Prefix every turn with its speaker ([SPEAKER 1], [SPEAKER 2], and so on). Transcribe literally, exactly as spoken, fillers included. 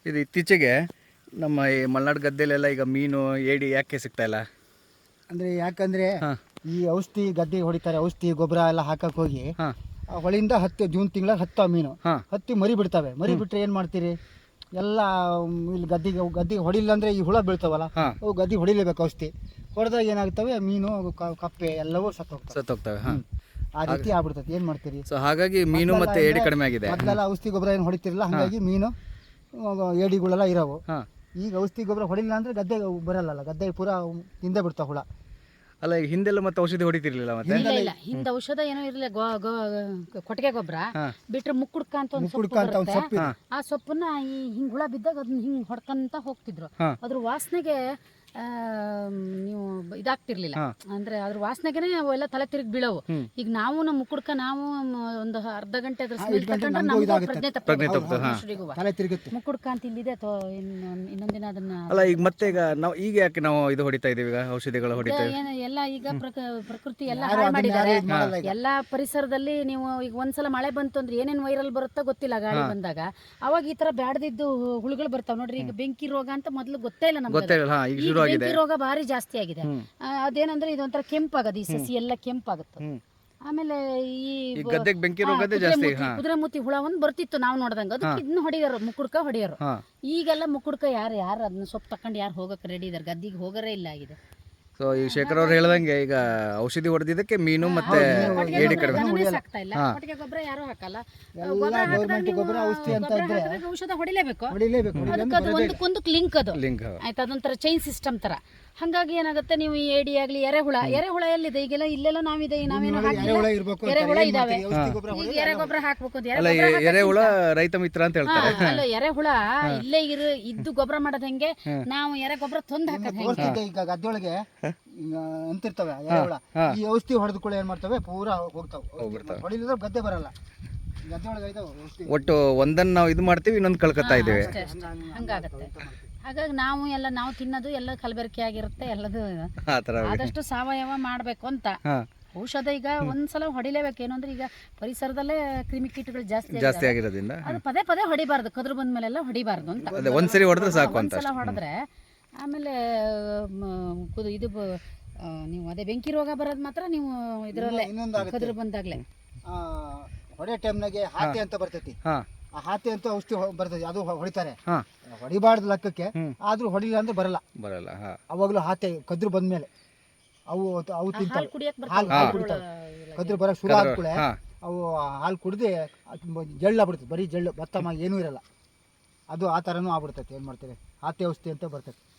[SPEAKER 1] ಇದು ಇತ್ತೀಚೆಗೆ ನಮ್ಮ ಈ ಮಲೆನಾಡು ಗದ್ದೆಲೆಲ್ಲ ಈಗ ಮೀನು ಏಡಿ ಯಾಕೆ ಸಿಗ್ತಾ ಇಲ್ಲ
[SPEAKER 2] ಅಂದರೆ ಯಾಕಂದರೆ ಈ ಔಷಧಿ ಗದ್ದೆಗೆ ಹೊಡಿತಾರೆ, ಔಷಧಿ ಗೊಬ್ಬರ ಎಲ್ಲ ಹಾಕಕ್ಕೆ ಹೋಗಿ
[SPEAKER 1] ಹಾಂ
[SPEAKER 2] ಆ ಹೊಳಿಯಿಂದ ಹತ್ತು ಜೂನ್ ತಿಂಗಳ ಹತ್ತು ಮೀನು
[SPEAKER 1] ಹಾಂ
[SPEAKER 2] ಹತ್ತಿ ಮರಿ ಬಿಡ್ತವೆ. ಮರಿ ಬಿಟ್ಟರೆ ಏನು ಮಾಡ್ತೀರಿ, ಎಲ್ಲ ಇಲ್ಲಿ ಗದ್ದೆಗೆ ಗದ್ದೆಗೆ ಹೊಡಿಲ್ಲ ಅಂದರೆ ಈ ಹುಳ ಬೀಳ್ತಾವಲ್ಲ,
[SPEAKER 1] ಹಾಂ
[SPEAKER 2] ಅವು ಗದ್ದೆಗೆ ಹೊಡಿಲೇಬೇಕು. ಔಷಧಿ ಹೊಡೆದಾಗ ಏನಾಗ್ತವೆ, ಮೀನು ಕ- ಕಪ್ಪೆ ಎಲ್ಲವೂ ಸತ್ತೋಗ್ತವೆ.
[SPEAKER 1] ಸತ್ತೋಗ್ತವೆ. ಹಾಂ
[SPEAKER 2] ಆ ರೀತಿ ಆಗ್ಬಿಡ್ತದೆ. ಏನು ಮಾಡ್ತೀರಿ,
[SPEAKER 1] ಸೊ ಹಾಗಾಗಿ ಮೀನು ಮತ್ತೆ ಏಡಿ ಕಡಿಮೆ ಆಗಿದೆ.
[SPEAKER 2] ಮೊದಲೆಲ್ಲ ಔಷಧಿ ಗೊಬ್ಬರ ಏನು ಹೊಡಿತಿರಲ್ಲ, ಹಾಗಾಗಿ ಮೀನು ಏಡಿಗಳೆಲ್ಲ ಇರೋವು.
[SPEAKER 1] ಹಾಂ
[SPEAKER 2] ಈಗ ಔಷಧಿ ಗೊಬ್ಬರ ಹೊಡಿಲ್ಲ ಅಂದರೆ ಗದ್ದೆಗೆ ಬರಲ್ಲ, ಗದ್ದೆಗೆ ಪೂರ ತಿಂದೇ ಬಿಡ್ತಾವೆ ಹುಳ.
[SPEAKER 1] ಅಲ್ಲ ಈಗ ಹಿಂದೆಲ್ಲ ಮತ್ತೆ ಔಷಧಿ ಹೊಡಿತಿರ್ಲಿಲ್ಲ ಮತ್ತೆ
[SPEAKER 3] ಇಲ್ಲ ಇಲ್ಲ ಹಿಂದೆ ಔಷಧ ಏನೋ ಇರಲಿಲ್ಲ. ಕೊಟ್ಟಿಗೆ ಗೊಬ್ಬರ ಬಿಟ್ರೆ ಮುಕ್ಕುಡ್ಕ ಅಂತ ಒಂದು ಸೊಪ್ಪು
[SPEAKER 2] ಮುಕ್ಕುಡ್ಕ ಅಂತ ಒಂದು
[SPEAKER 3] ಬರುತ್ತೆ.
[SPEAKER 2] ಸೊಪ್ಪು ಇದೆ.
[SPEAKER 3] ಆ ಸೊಪ್ಪನ್ನ ಈ ಹಿಂಗ್ ಹುಳ ಬಿದ್ದಾಗ ಅದನ್ನ ಹಿಂಗ್ ಹೊಡ್ಕಂತ ಹೋಗ್ತಿದ್ರು. ಅದ್ರ ವಾಸನೆಗೆ ಆ, ನೀವು ಇದಾಗ್ತಿರ್ಲಿಲ್ಲ, ಅಂದ್ರೆ ಅದ್ರ ವಾಸನೆಗೆನೆ ಅವೆಲ್ಲ ತಲೆ ತಿರುಗಿ ಬೀಳವು. ಈಗ ನಾವು ನಮ್ಮ ಮುಕ್ಕುಡ್ಕ ನಾವು ಒಂದು ಅರ್ಧ ಗಂಟೆ ಅದ್ರ ಸ್ಮೆಲ್ ತಗೊಂಡ್ರೆ ನಮಗೂ ಪ್ರಜ್ಞೆ ತಪ್ಪುತ್ತೆ. ಮನುಷ್ಯರಿಗೂ
[SPEAKER 2] ತಲೆ ತಿರುಗುತ್ತೆ.
[SPEAKER 3] ಮುಕ್ಕುಡ್ಕ ಅಂತ ಇಲ್ಲಿದೆ ಅಥವಾ ಇನ್ನೊಂದಿನ ಅದನ್ನ
[SPEAKER 1] ಅಲ್ಲ ಈಗ ಮತ್ತೆ ಈಗ ನಾವು ಈಗ ಯಾಕೆ ನಾವು ಇದು ಹೊಡಿತಾ ಇದೀವಿ, ಈಗ ಔಷಧಿಗಳು ಹೊಡಿತಾ ಇದೀವಿ?
[SPEAKER 3] ಏನು ಎಲ್ಲ ಈಗ ಪ್ರಕ- ಪ್ರಕೃತಿ ಎಲ್ಲ ಹಾಳು ಮಾಡಿದ್ದಾರೆ. ಎಲ್ಲ ಪರಿಸರದಲ್ಲಿ ನೀವು ಈಗ ಒಂದ್ಸಲ ಮಳೆ ಬಂತು ಅಂದ್ರೆ ಏನೇನ್ ವೈರಲ್ ಬರುತ್ತೋ ಗೊತ್ತಿಲ್ಲ. ಗಾಳಿ ಬಂದಾಗ ಅವಾಗ ಈ ತರ ಬ್ಯಾಡದಿದ್ದು ಹುಳುಗಳು ಬರ್ತಾವ ನೋಡ್ರಿ. ಈಗ ಬೆಂಕಿ ರೋಗ ಅಂತ ಮೊದ್ಲು ಗೊತ್ತೇ ಇಲ್ಲ ನಮ್ಗೆ.
[SPEAKER 1] ಗೊತ್ತೇ ಇಲ್ಲ. ಹಾ ಈಗ ಶುರು ಆಗಿದೆ.
[SPEAKER 3] ಬೆಂಕಿ ರೋಗ ಭಾರಿ ಜಾಸ್ತಿ ಆಗಿದೆ. ಆ, ಅದೇನಂದ್ರೆ ಇದೊಂಥರ ಕೆಂಪಾಗದು, ಈ ಸಸಿ ಎಲ್ಲ ಕೆಂಪಾಗುತ್ತೆ. ಆಮೇಲೆ ಈ
[SPEAKER 1] ಈ ಗದ್ದೆಗೆ ಬೆಂಕಿ ರೋಗದೇ ಜಾಸ್ತಿ. ಹಾ
[SPEAKER 3] ಕುದುರೆ ಮುತ್ತಿ ಹುಳ ಒಂದ್ ಬರ್ತಿತ್ತು ನಾವು ನೋಡ್ದಂಗ, ಅದಕ್ಕೆ ಇದನ್ನ ಹೊಡಿಯೋರು, ಮುಕ್ಕುಡ್ಕ ಹೊಡಿಯೋರು.
[SPEAKER 1] ಹಾ
[SPEAKER 3] ಈಗೆಲ್ಲ ಮುಕ್ಕುಡ್ಕ ಯಾರು ಯಾರು ಅದನ್ನ ಸೊಪ್ಪು ತಕೊಂಡು ಯಾರು ಹೋಗಕ್ಕೆ ರೆಡಿ ಇದಾರೆ, ಗದ್ದಿಗೆ ಹೋಗರೇ ಇಲ್ಲ ಆಗಿದೆ.
[SPEAKER 1] ಸೊ ಈ ಶೇಖರ್ ಅವ್ರು ಹೇಳ್ದಂಗೆ ಈಗ ಔಷಧಿ ಹೊಡೆದಿದ್ದಕ್ಕೆ ಮೀನು ಮತ್ತೆ ಏಡಿ ಕಡಿಮೆ.
[SPEAKER 3] ದನನೇ ಸಾಕ್ತಾ ಇಲ್ಲ, ಕೊಟ್ಟಿಗೆ ಗೊಬ್ಬರ ಯಾರು ಹಾಕಲ್ಲ. ಗೊಬ್ಬರ ಹಾಕಿದಾಗ ನೀವು
[SPEAKER 2] ಗೊಬ್ಬರ ಔಷಧಿ ಅಂತ
[SPEAKER 3] ಗೊಬ್ಬರ ಹಾಕಿದಾಗ ಔಷಧ ಹೊಡಿಲೇಬೇಕು.
[SPEAKER 2] ಹೊಡಿಲೇಬೇಕು.
[SPEAKER 3] ಅದಕ್ಕೆ ಅದು ಒಂದಕ್ಕೊಂದಕ್ಕೆ ಲಿಂಕ್ ಅದು
[SPEAKER 1] ಲಿಂಕ್
[SPEAKER 3] ಆಯ್ತು, ಅದೊಂಥರ ಚೈನ್ ಸಿಸ್ಟಮ್ ತರ. ಹಂಗಾಗಿ ಏನಾಗುತ್ತೆ, ನೀವು ಈ ಏಡಿ ಆಗ್ಲಿ ಎರೆಹುಳ, ಎರೆಹುಳ ಎಲ್ಲಿದೆ ಈಗೆಲ್ಲ, ಇಲ್ಲೆಲ್ಲ ನಾವಿದೆ, ನಾವೇನು ಹಾಕಿಲ್ಲ,
[SPEAKER 2] ಇರ್ಬೇಕು.
[SPEAKER 3] ಎರೆಹುಳ ಇದಾವೆ.
[SPEAKER 2] ಔಷಧಿ ಗೊಬ್ಬರ
[SPEAKER 3] ಈಗ ಎರೆ ಗೊಬ್ಬರ ಹಾಕ್ಬೇಕು ಅಂತ
[SPEAKER 1] ಅಲ್ಲ ಈ ಎರೆಹುಳ ರೈತ ಮಿತ್ರ ಅಂತ ಹೇಳ್ತಾರೆ.
[SPEAKER 3] ಅಲ್ಲ ಎರೆಹುಳ ಇಲ್ಲೇ ಇರು ಇದ್ದು ಗೊಬ್ಬರ ಮಾಡೋದ್ ಹೆಂಗೆ, ನಾವು ಎರೆ ಗೊಬ್ಬರ ತಂದು ಹಾಕೋದ್ ಹೆಂಗೆ.
[SPEAKER 2] ತೋರಿಸ್ತಿದ್ದೆ ಈಗ ಗದ್ದೆಯೊಳಗೆ ಈಗ ಅಂತಿರ್ತವೆ ಎರೆಹುಳ. ಈ ಔಷಧಿ ಹೊಡೆದ ಕೂಡ ಏನ್ ಮಾಡ್ತವೆ, ಪೂರಾ ಹೋಗ್ತಾವೆ. ಹೊಡಿಲಿದ್ರೆ ಗದ್ದೆ ಬರಲ್ಲ. ಗದ್ದೆ ಒಳಗೆ ಇದಾವೆ ಔಷಧಿ.
[SPEAKER 1] ಒಟ್ಟು ಒಂದನ್ನ ನಾವು ಇದು ಮಾಡ್ತೀವಿ, ಇನ್ನೊಂದು ಕಳ್ಕೊತಾ ಇದ್ದೀವಿ.
[SPEAKER 3] ಅಷ್ಟೇ ಅಷ್ಟೇ, ಹಂಗಾಗತ್ತೆ. ಹಾಗಾಗಿ ನಾವು ಎಲ್ಲ ನಾವು ತಿನ್ನೋದು ಎಲ್ಲ ಕಲಬೆರಕೆ ಆಗಿರುತ್ತೆ ಎಲ್ಲದು.
[SPEAKER 1] ಆ ಥರ
[SPEAKER 3] ಆದಷ್ಟು ಸಾವಯವ ಮಾಡಬೇಕು ಅಂತ.
[SPEAKER 1] ಹಾ
[SPEAKER 3] ಔಷಧ ಈಗ ಒಂದ್ಸಲ ಹೊಡಿಲೇಬೇಕು. ಏನು ಅಂದ್ರೆ ಈಗ ಪರಿಸರದಲ್ಲೇ ಕ್ರಿಮಿಕೀಟಗಳು ಜಾಸ್ತಿ
[SPEAKER 1] ಜಾಸ್ತಿ ಆಗಿರೋದ್ರಿಂದ
[SPEAKER 3] ಅದು ಪದೇ ಪದೇ ಹೊಡಿಬಾರ್ದು, ಕದ್ರು ಬಂದ ಮೇಲೆಲ್ಲ ಹೊಡಿಬಾರ್ದು ಅಂತ.
[SPEAKER 1] ಅದೇ ಒಂದ್ಸರಿ ಹೊಡೆದ್ರೆ ಸಾಕು ಅಂತ.
[SPEAKER 3] ಒಂದ್ಸಲ ಹೊಡೆದ್ರೆ ಆಮೇಲೆ ಮ, ಕುದು ಇದು ಬ- ಆ, ನೀವು ಅದೇ ಬೆಂಕಿ ರೋಗ ಬರೋದು ಮಾತ್ರ ನೀವು ಇದರಲ್ಲೇ
[SPEAKER 2] ಇನ್ನೊಂದು ಆಗುತ್ತೆ.
[SPEAKER 3] ಕದ್ರು ಬಂದಾಗ್ಲೇ.
[SPEAKER 2] ಆ, ಹೊಡೆ ಟೈಮ್ನಾಗೆ ಹಾತಿ ಅಂತ ಬರ್ತೈತಿ.
[SPEAKER 1] ಹಾ
[SPEAKER 2] ಆ ಹಾತಿ ಅಂತ ಔಷಧಿ ಹೊ- ಬರ್ತೈತಿ, ಅದು ಹೊ- ಹೊಡಿತಾರೆ.
[SPEAKER 1] ಹಾ
[SPEAKER 2] ಹೊಡಿಬಾರ್ದು ಲೆಕ್ಕಕ್ಕೆ, ಆದ್ರೂ ಹೊಡಿಲ್ಲ ಅಂದ್ರೆ ಬರಲ್ಲ.
[SPEAKER 1] ಬರಲ್ಲ. ಹಾ
[SPEAKER 2] ಅವಾಗಲೂ ಹಾತಿ ಕದ್ರು ಬಂದ್ಮೇಲೆ ಅವು ಅವು ತಿಂತಾವೆ.
[SPEAKER 3] ಹಾಲು ಕುಡಿಯಕ್
[SPEAKER 2] ಹಾಲು
[SPEAKER 3] ಬರ್ತಾವೆ.
[SPEAKER 2] ಕುಡಿತಾವೆ. ಕದ್ರು ಬರಕ್ ಶುರು ಆದ್ಕೂಳೆ
[SPEAKER 1] ಹಾ
[SPEAKER 2] ಅವು ಹಾಲು ಕುಡ್ದು ಜಳ್ಳಾಗ್ಬಿಡ್ತದೆ, ಬರೀ ಜಳ್ಳು, ಭತ್ತ ಮ ಏನೂ ಇರಲ್ಲ. ಅದು ಆ ಥರನೂ ಆಗ್ಬಿಡ್ತೈತೆ. ಏನು ಮಾಡ್ತೀರಿ, ಹಾತಿ ಔಷಧಿ ಅಂತ ಬರ್ತೈತೆ.